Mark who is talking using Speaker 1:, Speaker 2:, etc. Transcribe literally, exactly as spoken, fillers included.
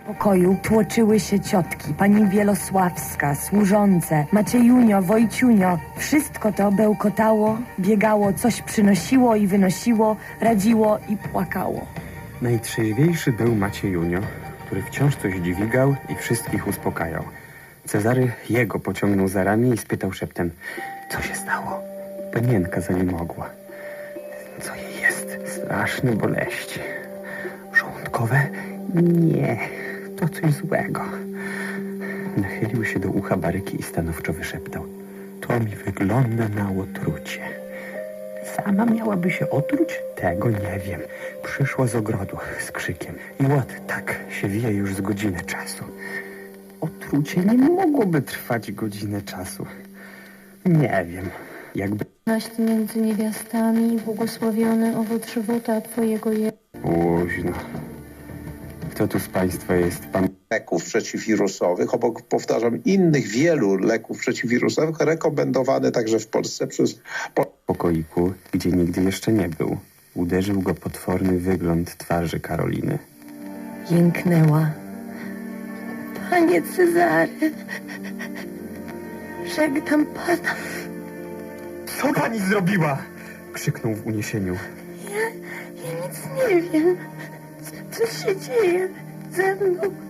Speaker 1: pokoju tłoczyły się ciotki, pani Wielosławska, służące, Maciejunio, Wojciunio. Wszystko to bełkotało, biegało, coś przynosiło i wynosiło, radziło i płakało.
Speaker 2: Najtrzeźwiejszy był Maciejunio, który wciąż coś dźwigał i wszystkich uspokajał. Cezary jego pociągnął za ramię i spytał szeptem: co się stało? Panienka zaniemogła. Co jej jest? Straszne boleści. Żołądkowe? Nie, to coś złego. Nachylił się do ucha Baryki i stanowczo wyszeptał: to mi wygląda na otrucie. Sama miałaby się otruć? Tego nie wiem. Przyszła z ogrodu z krzykiem i ład tak się wije już z godzinę czasu. Otrucie nie mogłoby trwać godzinę czasu. Nie wiem, jakby...
Speaker 3: Naść między niewiastami, błogosławiony owoc żywota Twojego jest.
Speaker 2: Późno. Kto tu z państwa jest pan?
Speaker 4: Leków przeciwwirusowych, obok, powtarzam, innych wielu leków przeciwwirusowych, rekomendowany także w Polsce przez...
Speaker 2: W pokoiku, gdzie nigdy jeszcze nie był, uderzył go potworny wygląd twarzy Karoliny.
Speaker 1: Jęknęła. Panie Cezary, żegnam pana.
Speaker 2: Co pani zrobiła? Krzyknął w uniesieniu.
Speaker 1: Ja, ja nic nie wiem. Co, co się dzieje ze mną?